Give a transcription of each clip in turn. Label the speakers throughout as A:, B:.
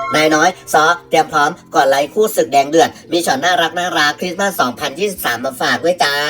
A: นายน้อยซอเตรียมพร้อมก่อนไลฟ์คู่ศึกแดงเดือดมีช็อตน่ารักคริสต์มาส 2023 มาฝากด้วยจ้า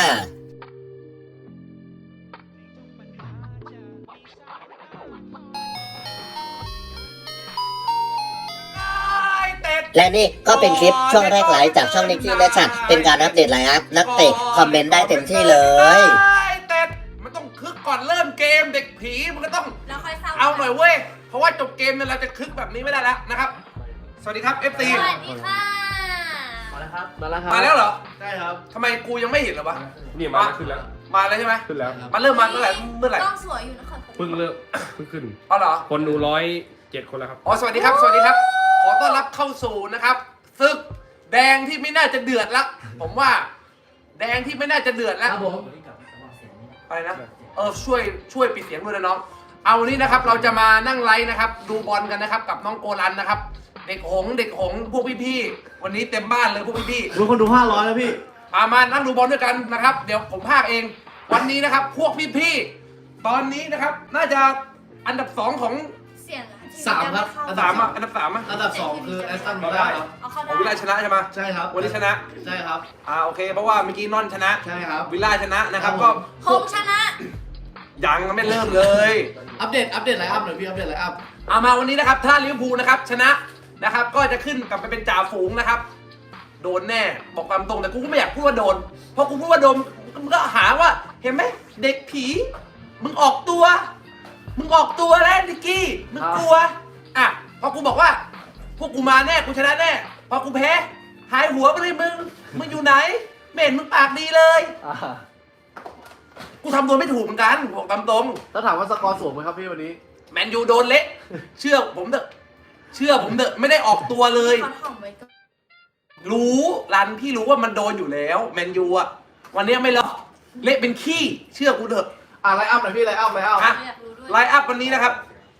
A: และนี่ก็เป็นคลิปช่วงแรกไลฟ์จากช่องนิกกี้และฉัดเป็นการอัปเดตไลฟ์อัพนักเตะคอมเมนต์ได้เต็มที่เลย
B: เตะมันต้องคึกก่อนเริ่มเกมเด็กผีมันก็ต้อง
C: แล้วค่อยเศร้า
B: เอาหน่อยเว้ยเพราะว่าจบเกมเนี่ยเราจะคึกแบบนี้ไม่ได้แล้วนะครับสวัสดีครับ FC
C: สวัสดีค่ะ
D: มาแล้วครับ
B: มาแล้วเหรอ
D: ใช่ครับ
B: ทำไมกูยังไม่เห็นเหรอวะ
E: นี่มาแล้วขึ้นแล้ว
B: มาแล้วใช่ไหม
E: ขึ้นแล้ว
B: มาเริ่มมาเมื่อไหร่เมื่อไหร่
C: กล้องสวยอยู่นะคะ
E: เพิ่งเริ่มเพิ่งขึ้น
B: อ๋อเหรอ
E: คนดู107 คนแล้วครับ
B: อ๋อสวัสดีครับ สวัสดีครับ ขอต้อนรับเข้าสู่นะครับศึกแดงที่ไม่น่าจะเดือดละผมว่า แดงที่ไม่น่าจะเดือดแล้ว
D: ครับผม
B: อะไรนะช่วยปิดเสียงด้วยนะน้องเอาวันนี้นะครับเราจะมานั่งไลฟ์นะครับดูบอลกันนะครับกับน้องโกลันนะครับเด็กหงส์พวกพี่ๆวันนี้เต็มบ้านเลยพวกพี่ๆ
D: ดูคนดู500แล้วพี่
B: มานั่งดูบอลด้วยกันนะครับเดี๋ยวผมพากเองวันนี้นะครับพวกพี่ๆตอนนี้นะครับน่าจะอันดับ2ของ
C: เสียง
D: 3 ครับ
B: อันดับ3อ่ะอันดับ3อ่ะ
D: อันดับ 2 คือแอสตันวิลล่าครับ
C: เอาเข้า
B: ของวิล
C: ได้
B: ล่าชนะใช่ไหม
D: ใช่ครับ
B: วันนี้ชนะ
D: ใช่ครับ
B: โอเคเพราะว่าเมื่อกี้นอนชนะ
D: ใช่ครับ
B: วิลล่าชนะนะครับ
D: ครั
B: ก็
D: บผม
C: คงชนะ
B: ยังไม่เริ่มเลย
D: อัปเดตไลน์อัพหน่อยพี่ อัปเดตไลน์อัพ
B: เอามาวันนี้นะครับถ้าลิเวอร์พูลนะครับชนะนะครับก็จะขึ้นกลับไปเป็นจ่าฝูงนะครับโดนแน่บอกตามตรงแต่กูก็ไม่อยากพูดว่าโดนเพราะกูพูดว่าโดนมึงก็หาว่าเห็นไหมเด็กผีมึงออกตัวแล้วนิกกี้มึงกลัวอ่ะพอกูบอกว่าพวกกูมาแน่กูชนะแน่พอกูแพ้หายหัวไปเลยมึงอยู่ไหนไม่เห็นมึงปากดีเลยกูทำตัวไม่ถูกเหมือนกันบอกตามตรง
D: แล้วถามว่าสกอร์สูงไหมครับพี่วันนี้
B: แมนยูโดนเละเชื่อผมเถอะไม่ได้ออกตัวเลย
C: เขาถ่อมไว้ก่อน
B: รู้รันพี่รู้ว่ามันโดนอยู่แล้วแมนยูอ่ะวันนี้ไม่รอเละเป็นขี้เชื่อกูเถอะ
D: ไลน์อัพหน่อยพี่ ไลน์อัพ
B: อ่ะ
C: อยากรู้ด้วย
B: ไลน์อัพวันนี้นะครับ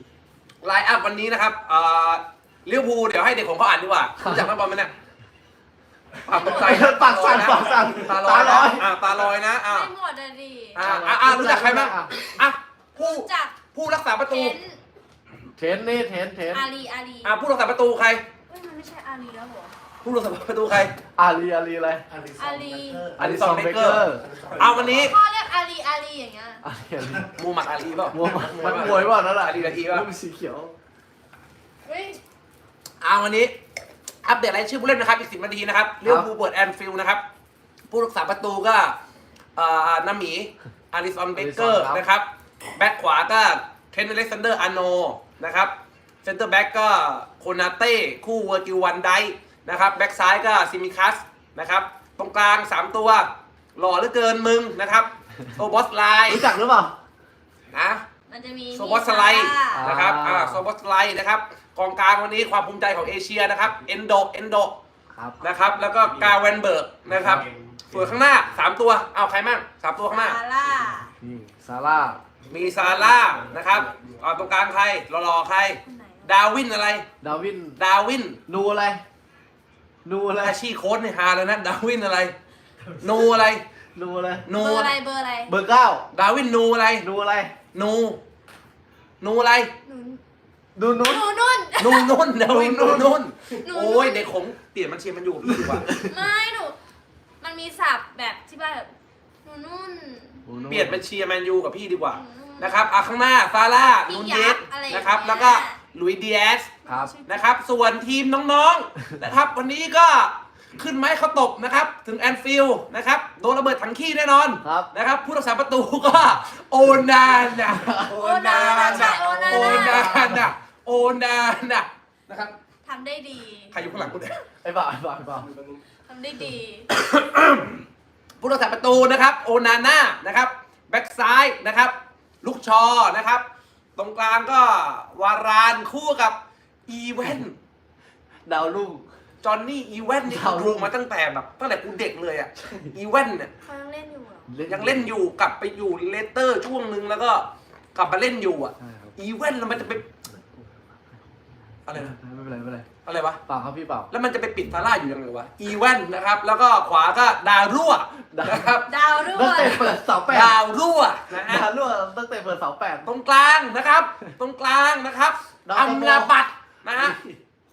B: ลิเวอร์พูลเดี๋ยวให้เด็กของเขาอ่านดีกว่ารู้จักนักบอลไหมเนี่ยปากตกใจ
D: ปากสั่น
B: ตาลอยนะตาลอยนะ
C: ไม่หมดอะดิ
B: รู้จักใครบ้างอ่ะผู้
C: รู้จัก
B: ผู้รักษาประตู
C: เทน
D: เทน
C: อาลี
B: ผู้รักษาประตูใคร
C: เฮ้ยมันไม่ใช่อาลีแล้วเหรอ
B: ผู้รักษาประตูใคร
D: อาลีอะไร
C: อาลี
B: อลิซอนเบเกอร์เอาวันนี้
C: พ่อเรียกอาลีอย่างเงี้ย
B: มูฮัมหมัดอาลีเปล่า
D: มันมวยป่ะนั่นแหละ
B: อาลีป่ะ
D: รูปสีเขียว
C: เฮ้ย
B: วันนี้อัปเดตรายชื่อผู้เล่นนะครับอีก10 นาทีนะครับลิเวอร์พูลเปิดแอนฟิลด์นะครับผู้รักษาประตูก็น้ำหมีอาริซอนเบเกอร์นะครับแบ็คขวาก็เทรนต์อเล็กซานเดอร์อาร์โนนะครับเซนเตอร์แบ็กก็โคนาเต้คู่เวอร์กิลวันไดนะครับแบ็คซ้ายก็ซิมิคัสนะครับตรงกลาง3ตัวหล่อเหลือเกินมึงนะครับโซบอสไลน์
D: รู้จักหรือเปล่า
B: นะ
C: มันจะมี
B: โซบอสไลน์
C: ซาร่า
B: นะครับโซบอสไลน์นะครับกองกลางวันนี้ความภูมิใจของเอเชียนะครับเอนโด
D: ครับ
B: นะครับแล้วก็กาเวนเบิร์กนะครับส่วนข้างหน้า3ตัวเอาใครมั่ง3ตัวข้างหน้า
C: ซาร่า
D: นี่ซาร่า
B: มีซาร่านะครับตรงกลางใครรอใคร
C: คนไหน
B: ดาวินอะไร
D: ดาวิน
B: ดาวิน
D: นูอะไร
B: อาชีพโค้ชในฮาเลยนะดาวินอะไรนูอะไร
D: นูอะไร
B: นู
C: เบอร์อะไรเบอร์อะไร
D: เบอร์ 9
B: ดาวินนูอะไร
D: นูอะไร
B: นูอะไร
C: หนู
D: ดูนุ้น
C: หนูนุ่น
B: นุ่นดาวินนุ่น
C: หนู
B: โอ้ยเด็กผมเปลี่ยนมันเชียร์มันอยู่กับพี่ดีกว่า
C: ไม่หนูมันมีศัพท์แบบที่บ้านแบบหนูนุ่น
B: เปลี่ยนเป็นเชียร์แมนยูกับพี่ดีกว่า
C: อืม
B: นะครับข้างหน้าซาร่า
C: พี่
B: นูน
C: ยั
B: เย
C: ก
B: ส
C: ษ์อะไรอย่างเงี้ย
B: นะครับแล้วก็ลุยส์ดีแอส
D: ครับ
B: นะครับส่วนทีมน้องๆ นะครับวันนี้ก็ขึ้นไม้เขาตบนะครับถึงแอนฟิลด์นะครับโดนระเบิดถังขี้แน่นอน
D: ครับ
B: นะครับผู้รักษาประตูก็โอนานะ
C: โอนาใช่โอนา
B: โอนานะนะครับ
C: ทำได้ดี
B: ใครอยู่ข้างหลังกูเนี่ย
D: ไอ้บ่าว
C: ทำได้ดี
B: ผู้รักษาประตูนะครับโอนาน่านะครับแบ็กซ้ายนะครับลูกชอนะครับตรงกลางก็วารานคู่กับอีเวน
D: ดาวรุ่ง
B: จอห์นนี่อีเวนนี่กูดูมาตั้งแต่กูเด็กเลยอ่ะอีเวนเนี่ย
C: เขายังเล่นอยู่เหรอ
B: ยังเล่นอยู่กลับไปอยู่เลสเตอร์ช่วงนึงแล้วก็กลับมาเล่นอยู่อ่ะ
D: ใช่ครับ
B: อีเวนแล้วมันจะไปอะไรนะ
D: ไม่เป็นไร
B: อะไรวะ
D: เปล่าครับพี่เปล่า
B: แล้วมันจะไปปิดซาร่าอยู่ยังไงวะอีเวนนะครับแล้วก็ขวาก็ดาวรั่วนะครับ
C: ดาวด้ว
D: ตั้ง
C: ย
D: แต่เปิดเสาแปด
B: ดาวรั่วนะฮะ
D: ดาวรั่วตั้งแต่เปิดเสาแปด
B: ตรงกลางนะครับตรงกลางนะครับ
D: ดาว
B: อัม
D: โตโม
B: ราบัตนะฮะ
C: คน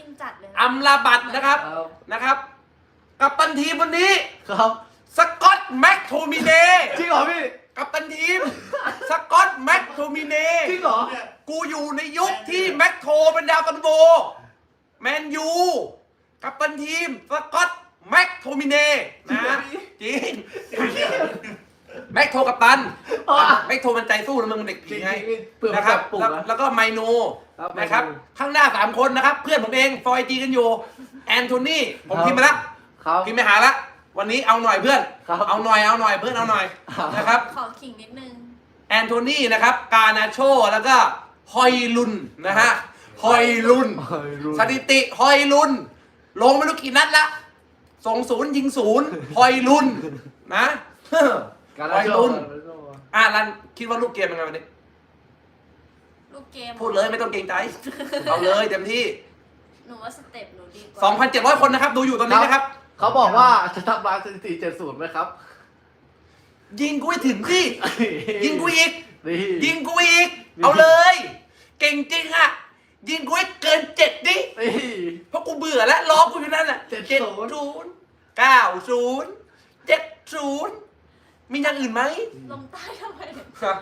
C: จัดเลยนะ
B: อัมราบัตนะครับ
D: ครับ
B: นะครับ กัปตันทีมวันนี้
D: ครับ
B: สกอตแม็กโทมิเน
D: จริงเหรอพี่
B: กัปตันทีม สกอตแม็กโทมิเน
D: จริงเหรอ
B: กูอยู่ในยุคที่แม็กโทเป็นดาวตันโบแมนยูกัปตันทีม สกอตแม็กโทมิเนนะจริงแม็กโทกัปตัน
D: อ๋อ
B: แม็กโทมันใจสู้นะมึงเด็กผีไง
D: เปลือก
B: นะครับ
D: ปลูก
B: แล้ว
D: นะ
B: แล้วก็ไมโน
D: ครับ
B: นะครับ
D: ไมโน
B: ข้างหน้า 3 คนนะครับ เพื่อนผมเองฟอยจีกันอยู่แอนโทนีผม
D: ครับ
B: พิมพ์มาแล้ว
D: ครับ
B: พิมพ์ไปหาแล้ววันนี้เอาหน่อยเพื่อน
D: ครับ
B: เอาหน่อยเพื่อนเอาหน่อย
D: ครับ
B: นะครับ
C: ขอขิงนิดนึง
B: แอนโทนีนะครับ กานาโชแล้วก็ฮอยลุนนะฮะฮอยลุน
D: เฮ้ยรู้
B: สถิติฮอยลุน ลงไม่รู้กี่นัดละส่งศูนย์ยิงศูนย์ฮอยลุนนะ
D: การ
B: ฮอย
D: โช
B: ลุ
D: ว์
B: นรันคิดว่าลูกเกมเป็นไงวันนี้
C: ลูกเกม
B: พูดเลยไม่ต้องเกรงใจ เอาเลยเต็มที่
C: หนูว่าสเต็ปหนูดีกว่า
B: 2,700 คนนะครับ ดูอยู่ตอนนี้นะครับ
D: เขาบอกว่าจะทำลายสถิติ70ไหมครับ
B: ยิงกูให้ถึงที่ ยิงกูอีก
D: นี่
B: ยิงกูอีก เอาเลย เก่งจริงอะยิงกูให้เกิน7ดิ
D: นี่
B: เพราะกูเบื่อแล้วรอกูอยู่นั่นน่ะ
D: 70
B: 90 90 70มีอย่างอื่นไหม
C: ลงใต้ทำไม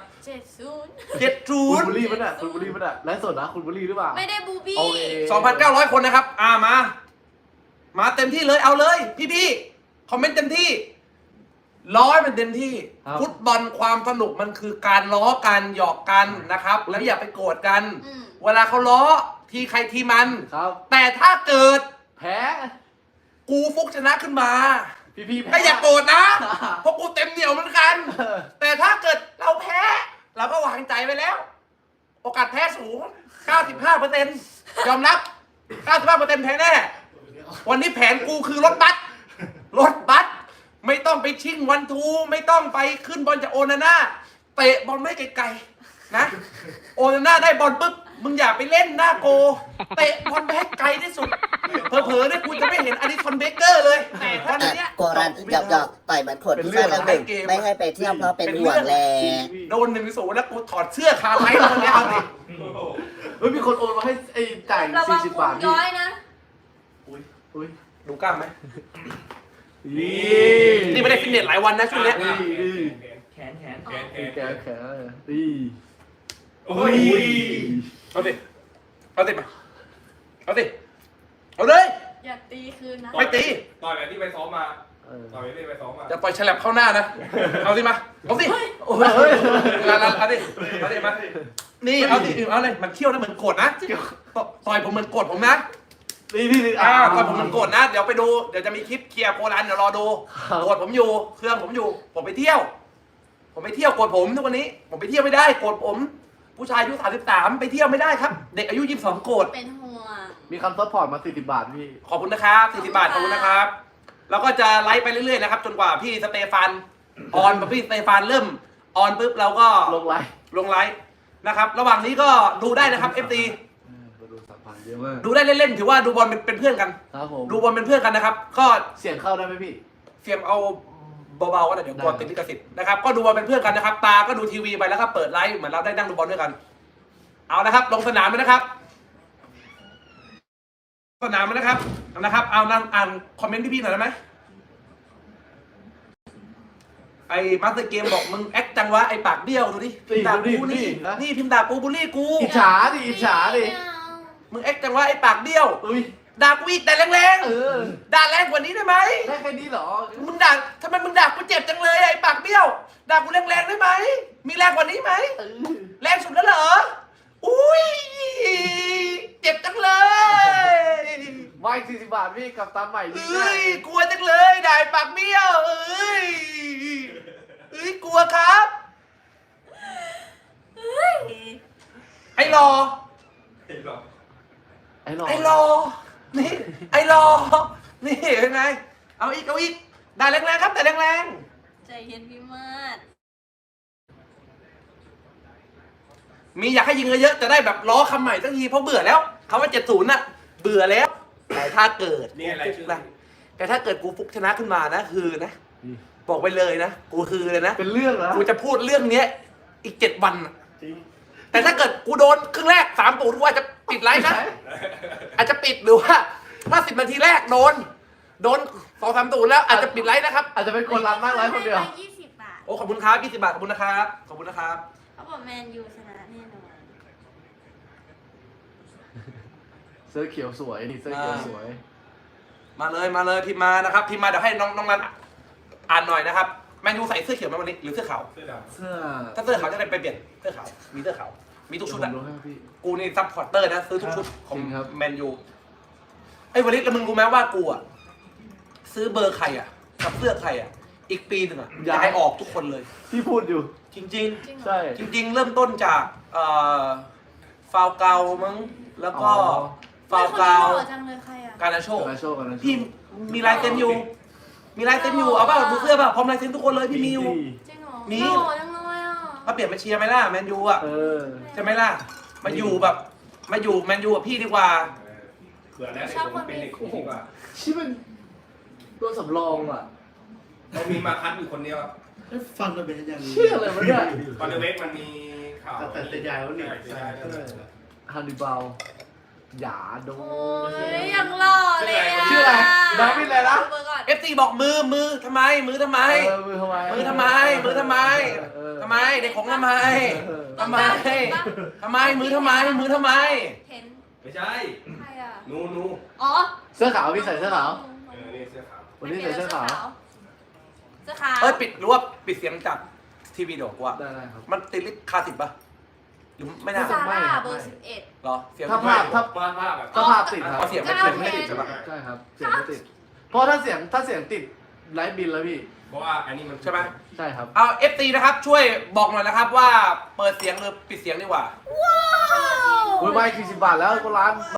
C: 70
D: คุณบุรี
B: 70
D: มันอ่ะคุณบุรีมันอ่ะไลฟ์สดนะคุณบุรีหรือเปล่า
C: ไม่ได้บูบี้
D: โอเค
B: 2,900 คนนะครับ มาเต็มที่เลย เอาเลย พี่คอมเมนต์เต็มที่ร้อยมันเต็มที่
D: ครับ
B: ฟุตบอลความสนุกมันคือการล้อกันหยอกกันนะครับ แล้วอย่าไปโกรธกัน
C: อืม
B: เวลาเขาล้อทีใครทีมัน
D: ครับ
B: แต่ถ้าเกิด
D: แพ้
B: กูฟุกชนะขึ้นมา
D: พี่แพ้
B: ก็อย่าโกรธนะ เพราะกูเต็มเหนียวเหมือนกัน แต่ถ้าเกิดเราแพ้ เราก็วางใจไปแล้ว โอกาสแพ้สูง 95%ยอมรับ 95%แพ้แน่ วันนี้แผนกูคือรถบัส ไม่ต้องไปชิงวันทู ไม่ต้องไปขึ้นบอลจากโอนาน่าเตะบอลไม่ไกลๆนะ โอนาน่าได้บอลปุ๊บ มึงอย่าไปเล่นหน้าโก เตะบอลไปให้ไกลที่สุด เผลอๆเนี่ยกูจะไม่เห็นอดิสันเบเกอร์เลย แต่ตอนเนี้ย
A: โกรันหยอกต่อยเหมือนขวดพิซซ่าแล้วหนึ่งไม่ให้ไปเที่ยวเพราะเป็นห่วงแล
B: โดน1-0แล้วกูถอดเสื้อคาไลท์ตอนนี้เอาดิ
D: เฮ้ยมีคนโอนมาให้ไอ้จ่าย
C: ระวัง
D: 40
C: พุ
D: บาง ทพี่
C: ย้อยนะ
D: อุ้ย
B: ดูกล้ามไหม
D: นี่
B: นี่ไม่ได้ฟิตเนสหลายวันนะช่วงเนี้ย
D: นี่
E: แขน
D: แขนนี่
E: โอ้ย
B: เอาดิเอาดิมาเอาดิเอาเลย
C: อย่าตีคืนนะ
B: ไม่ตี
E: ต่อยแบบที่ไปซ้อมมา
D: เออ
E: ต่อยแบบที่ไปซ้อมมา
B: จะปล่อยฉลับเข้าหน้านะ เอาดิมา เอาดิโอ้ยเอาดิมา นี่เอาดิเอาเลยมันเที่ยวนะเหมือนโกรธนะต่อยผมเหมือนโกรธผมนะ
D: นี่
B: ต่อยผมเหมือนโกรธนะ เดี๋ยวไปดู เดี๋ยวจะมีคลิปเคลียร์โครันเดี๋ยวรอดู โกรธผมอยู่ เครื่องผมอยู่ ผมไปเที่ยวโกรธผมทุกวันนี้ ผมไปเที่ยวไม่ได้ โกรธผม ผู้ชายอายุ33ไปเที่ยวไม่ได้ครับ เด็กอายุ22โกรธ
C: เป็นห่วง
D: มีคำซัพพอร์ตมา40 บาทพี่
B: ขอบคุณนะครับ40 บาท ขอบคุณนะครับ แล้วก็จะไลฟ์ไปเรื่อยๆนะครับ จนกว่าพี่สเตฟานออนพี่สเตฟานเริ่มออนปุ๊บเราก็
D: ลงไลน์
B: ลงไลฟ์นะครับ ระหว่างนี้ก็ดูได้นะครับ FT
D: มาดู3,000เยอะมาก
B: ดูได้เล่นๆถือว่าดูบอลเป็นเพื่อนกัน
D: ครับผม
B: ดูบอลเป็นเพื่อนกันนะครับ ก็
D: เสียงเข้าได้ไหมพี่
B: เสียมเอาเบาๆก็ได้เดี๋ยวกลัวติดลิขสิทธิ์นะครับ ก็ดูบอลเป็นเพื่อนกันนะครับ ตาก็ดูทีวีไปแล้วก็เปิดไลฟ์เหมือนเราได้นั่งดูบอลด้วยกัน เอานะครับ ลงสนามเลยนะครับ สนามเลยนะครับเอานั่งอ่านคอมเมนต์พี่ๆหน่อยได้ไหมไอ้มาสเตอร์เกมบอกมึงแอคจังวะไอ้ปากเบี้ยวดูดิพิมพ์ด่ากูนี่นี่พิมพ์ด่ากูบูลลี่กู
D: อิจฉาดิอิจฉาดิ
B: มึงแอคจังวะไอ้ปากเบี้ยว
D: อุ้ย
B: ด่ากูอีกแต่แรง
D: เออ
B: ๆด่าแรงกว่านี้ได้ไหม
D: ได้แค่นี้เหรอ
B: มึงด่าทำไมมึงด่ากูเจ็บจังเลยไอ้ปากเบี้ยวด่ากูแรงๆได้ไหมมีแรงกว่านี้ไหม
D: เออ
B: แรงสุดแล้วเหรออุ้ยเจ็บจังเลย
D: มาอีก40 บาทพี่กับตามใหม่ดี
B: เอ้ยกลัวจังเลยด่าไอ้ปากเบี้ยวเอ้ยกลัวครับ
C: เฮ้ย
B: ไอ้รอ
D: ไอ้หลอ
B: ไอ้รอ นี่ ไอ้รอ นี่เป็นไง เอาอีกด่าแรงๆครับแต่แรง
C: ใจเย็นพี่มาด
B: ๆมีอยากให้ยิงเยอะๆจะได้แบบล้อคำใหม่สักทีเพราะเบื่อแล้วคำว่า70น่ะเบื่อแล้ว แต่ถ้าเกิด
E: นี่อะไร
B: กู
E: ชื่
B: ฟุ
E: อ
B: กนะแต่ถ้าเกิดกูฟุกชนะขึ้นมานะคือนะ บอกไปเลยนะกูคือเลยนะ
D: เป็นเรื่องเหรอ
B: กูจะพูดเรื่องเนี้ยอีก7 วันน่ะแต่ถ้าเกิดกูโดนครึ่งแรก3 ตูดกูอาจจะปิดไลฟ์นะ อาจจะปิดหรือว่าถ้า10 นาทีแรกโดน 2-3 ตูดแล้วอาจจะปิดไลฟ์นะครับ
D: อาจจะเป็นคนรันมากไลฟ์คนเดียว
C: ให้ไป20 บาท
B: โอ้ขอบคุณครับ20 บาทขอบคุณนะครับขอบคุณนะครับ
C: เขาบอกแมนยูชนะแน่นอน
D: เสื้อเขียวสวยนี่เสื้อเขียวสวย
B: มาเลยพิมพ์มานะครับพิมพ์มาเดี๋ยวให้น้องนันอ่านหน่อยนะครับแมนยูใส่เสื้อเขียวไหมวันนี้หรือเสื้อขาว
E: เสื้อด
D: เสื้อ
B: ถ้าเสื้อขาวจะได้ไปเปลี่ยนเสื้อขาวมีเสื้อขาวมีทุกชุด
D: ผ
B: อะ
D: มรู้ให้พี่
B: กูนี่ซัพพอร์ตเตอร์นะซื้อทุกชุดของ
D: จริงครับ
B: แมนยูไอ้วลิศแล้วมึงรู้ไหมว่ากูอะซื้อเบอร์ใครอะกับเสื้อใครอะอีกปีหนึ่งอะย้ายออกทุกคนเลย
D: พี่พูดอยู่
B: จริง
C: จริงเหรอ
D: ใช่
B: ๆ จริง ๆ เริ่มต้นจากฟาวเกามั้งแล้วก็
D: อ๋อ
B: ฟาวเกา
C: ไม่คนนี้หล่อจังเลยใครอ่ะ
B: การนาโช
D: กันนะโชคกันนะโชค
B: พี่มีลายเซ็นอยู่ มีลายเซ็นอยู่เอาเปล่าดูเสื้อเปล่าพร้อมลายเซ็นทุกคนเลยพี่มีอยู่
C: จริงเหรอ
B: มี
C: หล่อจังเลยอ่ะ
B: มาเปลี่ยนมาเชียร์ไหมล่ะแมนยูอะ
D: เออ
B: ใช่ไหมล่ะมาอยู่แบบมาอยู่แมนยูกับพี่ดีกว่า
E: ำเผื่อได้ผมเป็นเด็กดีกว่า
D: ชิเป็นตัวสำรองอ่ะ
E: เรามีมาคัดอยู่คนเดียว
F: ฟังกันเป็นอย่างนี้
D: เชื่อเลยมันเนี่ย
E: ตอนเดเวกมันมีข่าว
F: แต่ยายเขาหนี
E: ใช่
D: ฮันนิบาลหยาโด
C: โอ้ยยังหล่อเลยอ่ะ
D: ชื่ออะไรน้องพี่อะไรนะ
C: เบอร์ก่อน
B: เอฟซีบอกมือทำไมมือทำไม
D: เออมือทำไม
B: มือทำไมมือทำไม
D: เออ
B: ทำไมเด็กของทำไม
D: เออ
B: ทำไมทำไมมือทำไมมือทำไม
C: เห็น
E: ไม่ใช่
C: ใครอ่ะ
E: นู
C: อ๋อ
D: เสื้อขาวพี่ใส่เสื้อขาว
E: นี่เสื้อขาว
D: วันนี้ใส่เสื้อขาว
C: เสื้อขาว
B: เอ้ยปิดหรือว่าปิดเสียงจากทีวีเดี๋ยวกว่า
D: ได้ครับ
B: มันติดลิขคาสิทธิ์ปะหรือไม่น่า
C: ซาร่า
D: ไม่
C: เบอร์11
B: เหรอเสียง
D: ถ้าภาพถ้า
E: ภาพแบบ
D: ถ้าภาพติดครับ
B: เอาเสียงไม่ติดใช่ปะ
D: ใช่ครับ เสียงไม่ติด เพราะถ้าเสียงติดไลฟ์บินแล้วพี่
E: เพราะว่าอันนี้มัน
B: ใช่ไหม
D: ใช่ครับ
B: เอาเอฟซีนะครับช่วยบอกหน่อยนะครับว่าเปิดเสียงหรือปิดเสียงดีกว่า
D: อุ้ยไม่40 บาทแล้วก็ร้าน